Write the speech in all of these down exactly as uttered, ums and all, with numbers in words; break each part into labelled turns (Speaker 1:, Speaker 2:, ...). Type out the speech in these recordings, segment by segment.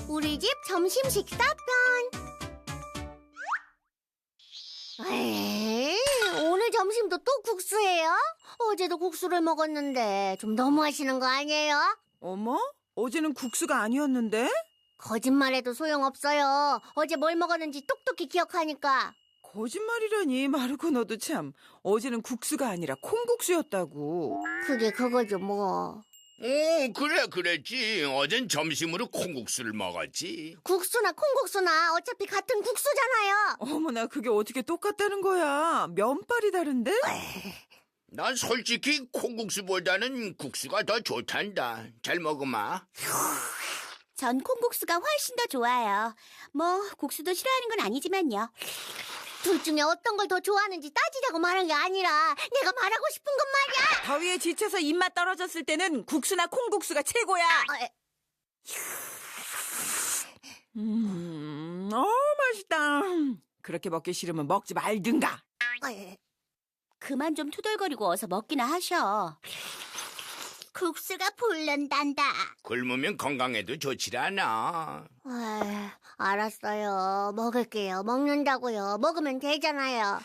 Speaker 1: 우리 집 점심 식사편. 에이, 오늘 점심도 또 국수예요? 어제도 국수를 먹었는데 좀 너무하시는 거 아니에요?
Speaker 2: 어머? 어제는 국수가 아니었는데?
Speaker 1: 거짓말해도 소용없어요. 어제 뭘 먹었는지 똑똑히 기억하니까.
Speaker 2: 거짓말이라니, 마르코 너도 참. 어제는 국수가 아니라 콩국수였다고.
Speaker 1: 그게 그거죠 뭐.
Speaker 3: 오, 그래, 그랬지. 어젠 점심으로 콩국수를 먹었지.
Speaker 1: 국수나 콩국수나 어차피 같은 국수잖아요.
Speaker 2: 어머나, 그게 어떻게 똑같다는 거야. 면발이 다른데?
Speaker 3: 난 솔직히 콩국수보다는 국수가 더 좋단다. 잘 먹어마.
Speaker 4: 전 콩국수가 훨씬 더 좋아요. 뭐 국수도 싫어하는 건 아니지만요.
Speaker 1: 둘 중에 어떤 걸 더 좋아하는지 따지자고 말한 게 아니라 내가 말하고 싶은 건 말이야.
Speaker 2: 더위에 지쳐서 입맛 떨어졌을 때는 국수나 콩국수가 최고야.
Speaker 1: 아, 에,
Speaker 2: 음, 어, 맛있다. 그렇게 먹기 싫으면 먹지 말든가.
Speaker 1: 아, 에.
Speaker 4: 그만 좀 투덜거리고 어서 먹기나 하셔.
Speaker 1: 국수가 불른단다.
Speaker 3: 굶으면 건강에도 좋지 않아.
Speaker 1: 아, 알았어요. 먹을게요. 먹는다고요. 먹으면 되잖아요.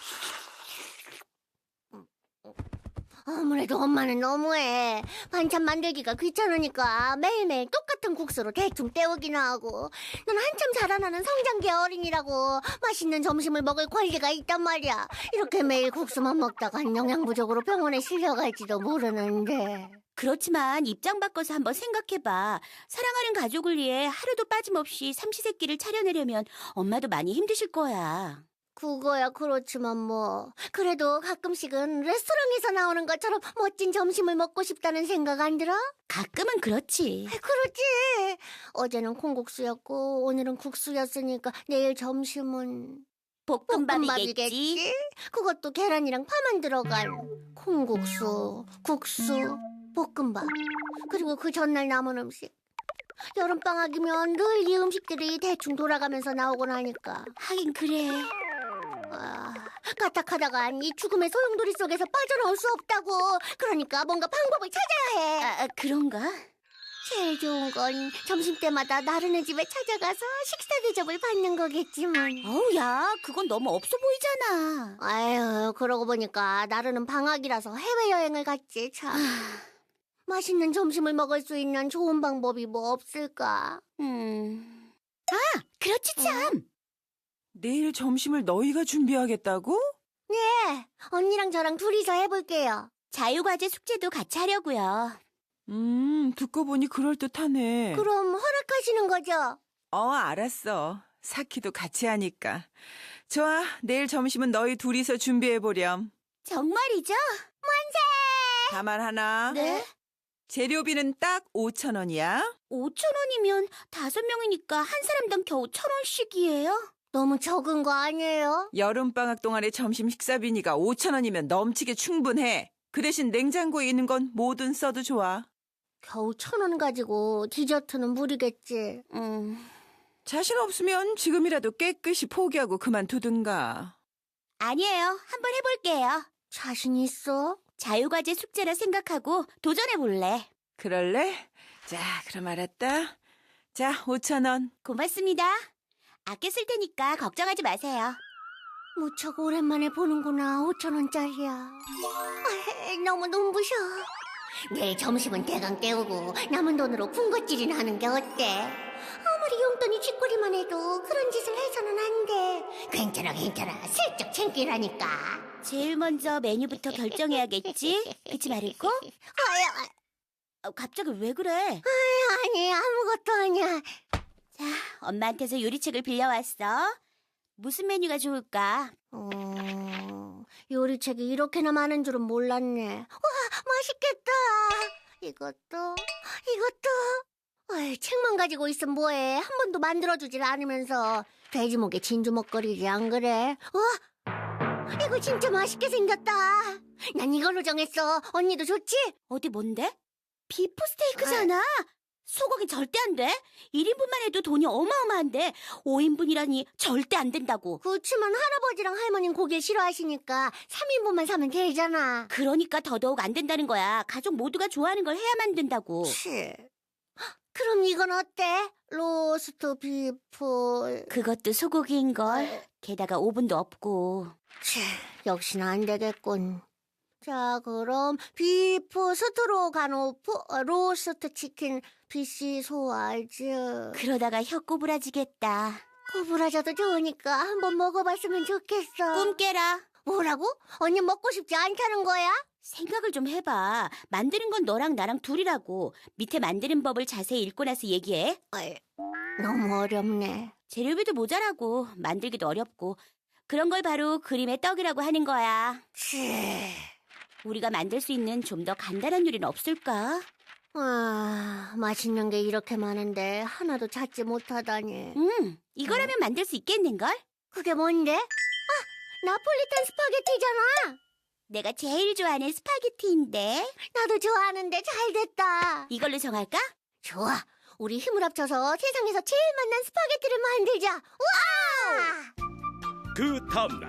Speaker 1: 아무래도 엄마는 너무해. 반찬 만들기가 귀찮으니까 매일매일 똑같은 국수로 대충 때우기나 하고. 난 한참 자라나는 성장기 어린이라고 맛있는 점심을 먹을 권리가 있단 말이야. 이렇게 매일 국수만 먹다간 영양 부족으로 병원에 실려갈지도 모르는데.
Speaker 4: 그렇지만 입장 바꿔서 한번 생각해봐. 사랑하는 가족을 위해 하루도 빠짐없이 삼시세끼를 차려내려면 엄마도 많이 힘드실 거야.
Speaker 1: 그거야 그렇지만 뭐 그래도 가끔씩은 레스토랑에서 나오는 것처럼 멋진 점심을 먹고 싶다는 생각 안 들어?
Speaker 4: 가끔은 그렇지.
Speaker 1: 그렇지. 어제는 콩국수였고 오늘은 국수였으니까 내일 점심은
Speaker 4: 볶음밥이겠지.
Speaker 1: 그것도 계란이랑 파만 들어간 콩국수, 국수, 볶음밥. 그리고 그 전날 남은 음식. 여름방학이면 늘 이 음식들이 대충 돌아가면서 나오곤 하니까.
Speaker 4: 하긴 그래.
Speaker 1: 아, 까딱하다간 이 죽음의 소용돌이 속에서 빠져나올 수 없다고. 그러니까 뭔가 방법을 찾아야 해.
Speaker 4: 아, 그런가?
Speaker 1: 제일 좋은 건 점심때마다 나른의 집에 찾아가서 식사 대접을 받는 거겠지만.
Speaker 4: 어우, 야, 그건 너무 없어 보이잖아.
Speaker 1: 아유, 그러고 보니까 나르는 방학이라서 해외여행을 갔지, 참. 맛있는 점심을 먹을 수 있는 좋은 방법이 뭐 없을까?
Speaker 4: 음. 아, 그렇지 참.
Speaker 2: 내일 점심을 너희가 준비하겠다고?
Speaker 1: 네, 언니랑 저랑 둘이서 해볼게요.
Speaker 4: 자유과제 숙제도 같이 하려고요.
Speaker 2: 음, 듣고 보니 그럴듯하네.
Speaker 1: 그럼 허락하시는 거죠?
Speaker 2: 어, 알았어. 사키도 같이 하니까. 좋아, 내일 점심은 너희 둘이서 준비해보렴.
Speaker 4: 정말이죠?
Speaker 2: 다만 하나.
Speaker 4: 네?
Speaker 2: 재료비는 딱 오천 원이야.
Speaker 4: 오천 원이면 다섯 명이니까 한 사람당 겨우 천 원씩이에요?
Speaker 1: 너무 적은 거 아니에요?
Speaker 2: 여름방학 동안의 점심 식사비니까 오천 원이면 넘치게 충분해. 그 대신 냉장고에 있는 건 뭐든 써도 좋아.
Speaker 1: 겨우 천 원 가지고 디저트는 무리겠지.
Speaker 4: 음.
Speaker 2: 자신 없으면 지금이라도 깨끗이 포기하고 그만두든가.
Speaker 4: 아니에요. 한번 해볼게요.
Speaker 1: 자신 있어?
Speaker 4: 자유과제 숙제라 생각하고 도전해볼래.
Speaker 2: 그럴래? 자, 그럼 알았다. 자, 오천 원.
Speaker 4: 고맙습니다. 아껴 쓸 테니까 걱정하지 마세요.
Speaker 1: 무척 오랜만에 보는구나. 오천 원짜리야. 아, 너무 눈부셔. 내일 점심은 대강 때우고 남은 돈으로 군것질이나 하는 게 어때? 아무리 용돈이 쥐꼬리만 해도 그런 짓을 해서는 안 돼. 괜찮아 괜찮아. 슬쩍 챙기라니까.
Speaker 4: 제일 먼저 메뉴부터 결정해야겠지? 그치 마르코?
Speaker 1: 아야,
Speaker 4: 어, 갑자기 왜 그래?
Speaker 1: 아니 아무것도 아니야.
Speaker 4: 자, 엄마한테서 요리책을 빌려왔어. 무슨 메뉴가 좋을까?
Speaker 1: 어, 요리책이 이렇게나 많은 줄은 몰랐네. 와, 맛있겠다. 이것도, 이것도. 어이, 책만 가지고 있으면 뭐해. 한 번도 만들어주질 않으면서. 돼지목에 진주 먹거리지, 안 그래? 와, 이거 진짜 맛있게 생겼다. 난 이걸로 정했어. 언니도 좋지?
Speaker 4: 어디 뭔데? 비프 스테이크잖아. 소고기 절대 안 돼. 일 인분만 해도 돈이 어마어마한데 오 인분이라니 절대 안 된다고.
Speaker 1: 그렇지만 할아버지랑 할머니는 고기 싫어하시니까 삼 인분만 사면 되잖아.
Speaker 4: 그러니까 더더욱 안 된다는 거야. 가족 모두가 좋아하는 걸 해야만 된다고.
Speaker 1: 치. 그럼 이건 어때? 로스트 비프.
Speaker 4: 그것도 소고기인걸. 게다가 오븐도 없고.
Speaker 1: 치, 역시나 안 되겠군. 자, 그럼 비프 스트로가노프, 어, 로스트 치킨, 비시 소화즈.
Speaker 4: 그러다가 혀 꼬부라지겠다.
Speaker 1: 구부라져도 좋으니까 한번 먹어봤으면 좋겠어.
Speaker 4: 꿈 깨라.
Speaker 1: 뭐라고? 언니 먹고 싶지 않다는 거야?
Speaker 4: 생각을 좀 해봐. 만드는 건 너랑 나랑 둘이라고. 밑에 만드는 법을 자세히 읽고 나서 얘기해.
Speaker 1: 어이, 너무 어렵네.
Speaker 4: 재료비도 모자라고 만들기도 어렵고 그런 걸 바로 그림의 떡이라고 하는 거야.
Speaker 1: 치.
Speaker 4: 우리가 만들 수 있는 좀 더 간단한 요리는 없을까?
Speaker 1: 아, 맛있는 게 이렇게 많은데 하나도 찾지 못하다니.
Speaker 4: 음, 이거라면 만들 수 있겠는걸?
Speaker 1: 그게 뭔데? 아, 나폴리탄 스파게티잖아.
Speaker 4: 내가 제일 좋아하는 스파게티인데.
Speaker 1: 나도 좋아하는데 잘 됐다.
Speaker 4: 이걸로 정할까?
Speaker 1: 좋아. 우리 힘을 합쳐서 세상에서 제일 맛난 스파게티를 만들자. 우와!
Speaker 5: 그 다음날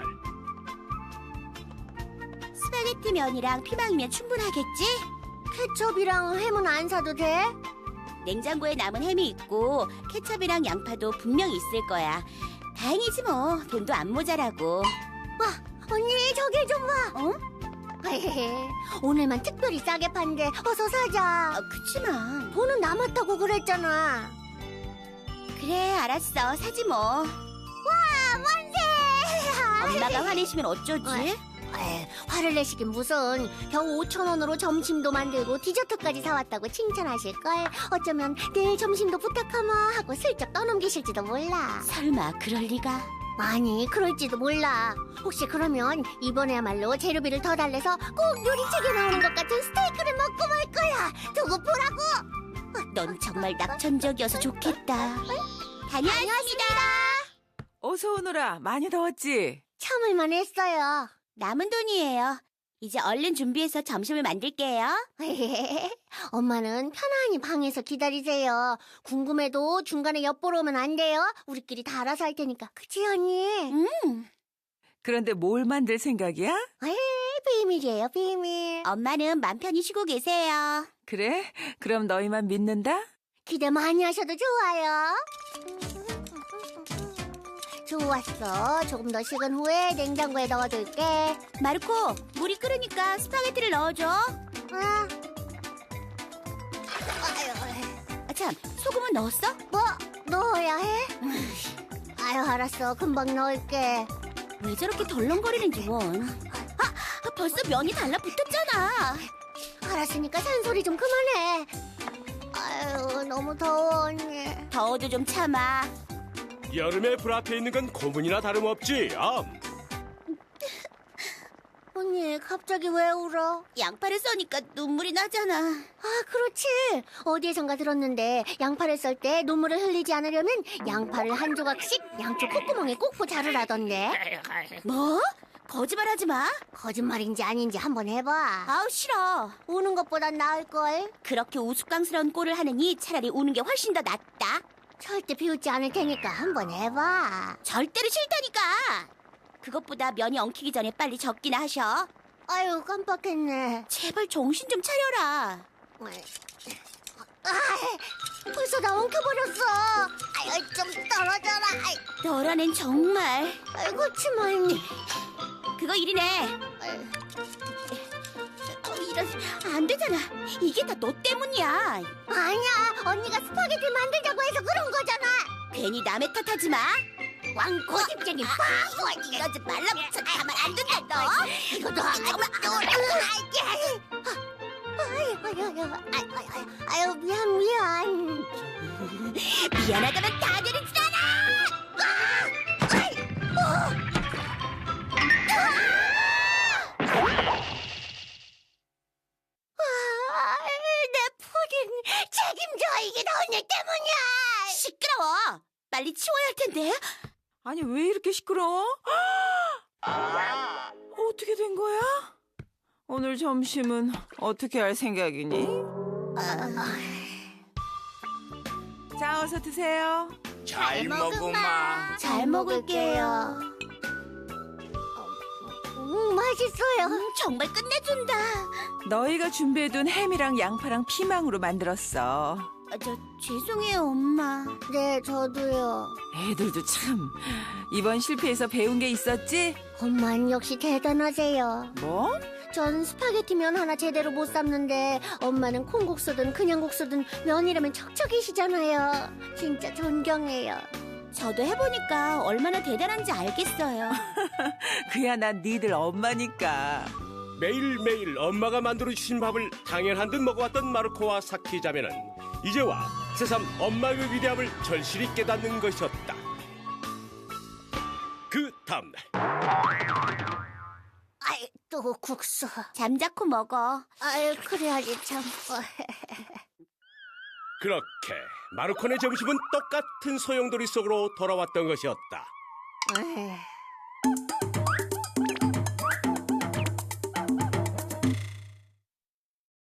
Speaker 4: 스파게티 면이랑 피망이면 충분하겠지?
Speaker 1: 케첩이랑 햄은 안 사도 돼?
Speaker 4: 냉장고에 남은 햄이 있고 케첩이랑 양파도 분명히 있을 거야. 다행이지 뭐. 돈도 안 모자라고.
Speaker 1: 언니, 저기 좀 봐.
Speaker 4: 어?
Speaker 1: 헤헤헤, 오늘만 특별히 싸게 판대. 어서 사자.
Speaker 4: 아, 그치만.
Speaker 1: 돈은 남았다고 그랬잖아.
Speaker 4: 그래, 알았어. 사지 뭐.
Speaker 1: 와, 만세!
Speaker 4: 엄마가 화내시면 어쩌지?
Speaker 1: 에이, 화를 내시긴 무슨. 겨우 오천 원으로 점심도 만들고 디저트까지 사왔다고 칭찬하실걸. 어쩌면 내일 점심도 부탁하마 하고 슬쩍 떠넘기실지도 몰라.
Speaker 4: 설마 그럴 리가?
Speaker 1: 아니, 그럴지도 몰라. 혹시 그러면 이번에야말로 재료비를 더 달래서 꼭 요리책에 나오는 것 같은 스테이크를 먹고 말 거야. 두고 보라고.
Speaker 4: 넌 정말 낙천적이어서 좋겠다. 다녀왔습니다.
Speaker 2: 어서 오너라. 많이 더웠지?
Speaker 1: 참을만 했어요.
Speaker 4: 남은 돈이에요. 이제 얼른 준비해서 점심을 만들게요.
Speaker 1: 엄마는 편안히 방에서 기다리세요. 궁금해도 중간에 엿보러 오면 안 돼요. 우리끼리 다 알아서 할 테니까. 그치, 언니?
Speaker 4: 음,
Speaker 2: 그런데 뭘 만들 생각이야?
Speaker 1: 에이, 비밀이에요, 비밀.
Speaker 4: 엄마는 맘 편히 쉬고 계세요.
Speaker 2: 그래? 그럼 너희만 믿는다?
Speaker 1: 기대 많이 하셔도 좋아요. 좋았어. 조금 더 식은 후에 냉장고에 넣어둘게.
Speaker 4: 마르코, 물이 끓으니까 스파게티를 넣어줘.
Speaker 1: 응.
Speaker 4: 아, 참, 소금은 넣었어?
Speaker 1: 뭐, 넣어야 해? 아유, 알았어. 금방 넣을게.
Speaker 4: 왜 저렇게 덜렁거리는지 원. 아, 아, 벌써 면이 달라붙었잖아.
Speaker 1: 알았으니까 산소리 좀 그만해. 아유, 너무 더워, 언니.
Speaker 4: 더워도 좀 참아.
Speaker 5: 여름에 불 앞에 있는 건 고문이나 다름없지. 암.
Speaker 1: 언니, 갑자기 왜 울어?
Speaker 4: 양파를 써니까 눈물이 나잖아.
Speaker 1: 아, 그렇지. 어디에선가 들었는데 양파를 썰 때 눈물을 흘리지 않으려면 양파를 한 조각씩 양쪽 콧구멍에 꽂고 자르라던데.
Speaker 4: 뭐? 거짓말하지 마.
Speaker 1: 거짓말인지 아닌지 한번 해봐.
Speaker 4: 아우, 싫어.
Speaker 1: 우는 것보단 나을걸.
Speaker 4: 그렇게 우스꽝스러운 꼴을 하느니 차라리 우는 게 훨씬 더 낫다.
Speaker 1: 절대 비웃지 않을 테니까 한번 해봐.
Speaker 4: 절대로 싫다니까. 그것보다 면이 엉키기 전에 빨리 적기나 하셔.
Speaker 1: 아유, 깜빡했네.
Speaker 4: 제발 정신 좀 차려라.
Speaker 1: 아, 벌써 다 엉켜버렸어. 아유, 좀 떨어져라. 아이,
Speaker 4: 너란 앤 정말.
Speaker 1: 아이, 그치만.
Speaker 4: 그거 일이네. 어, 이런, 안 되잖아. 이게 다 너 때문이야.
Speaker 1: 아니야, 언니가 스파게티 만들자고 해서 그런 거잖아.
Speaker 4: 괜히 남의 탓하지 마.
Speaker 1: 왕 고집쟁이 바보.
Speaker 4: 이러지 말라고 가만 안 된다 너.
Speaker 1: 이것도 정말 아유, 아유, 아유, 아유, 아유, 미안, 미안.
Speaker 4: 미안하다면 다 되는 줄 알아.
Speaker 1: 아, 내 푸딩 책임져. 이게 다 언니 때문이야.
Speaker 4: 시끄러워. 빨리 치워야 할 텐데.
Speaker 2: 아니, 왜 이렇게 시끄러워? 어떻게 된 거야? 오늘 점심은 어떻게 할 생각이니? 자, 어서 드세요.
Speaker 3: 잘 먹으마.
Speaker 4: 잘 먹을게요.
Speaker 1: 음, 맛있어요.
Speaker 4: 음, 정말 끝내준다.
Speaker 2: 너희가 준비해둔 햄이랑 양파랑 피망으로 만들었어.
Speaker 4: 아, 저 죄송해요, 엄마.
Speaker 1: 네, 저도요.
Speaker 2: 애들도 참 이번 실패에서 배운 게 있었지?
Speaker 1: 엄마는 역시 대단하세요.
Speaker 2: 뭐?
Speaker 1: 전 스파게티면 하나 제대로 못 삶는데 엄마는 콩국수든 그냥 국수든 면이라면 척척이시잖아요. 진짜 존경해요.
Speaker 4: 저도 해보니까 얼마나 대단한지 알겠어요.
Speaker 2: 그야 난 니들 엄마니까.
Speaker 5: 매일매일 엄마가 만들어주신 밥을 당연한 듯 먹어왔던 마르코와 사키 자매는 이제와 새삼 엄마의 위대함을 절실히 깨닫는 것이었다. 그 다음날
Speaker 1: 아이, 또 국수.
Speaker 4: 잠자코 먹어.
Speaker 1: 아이, 그래야지 참.
Speaker 5: 그렇게 마르코네 점심은 똑같은 소용돌이 속으로 돌아왔던 것이었다.
Speaker 1: 에이,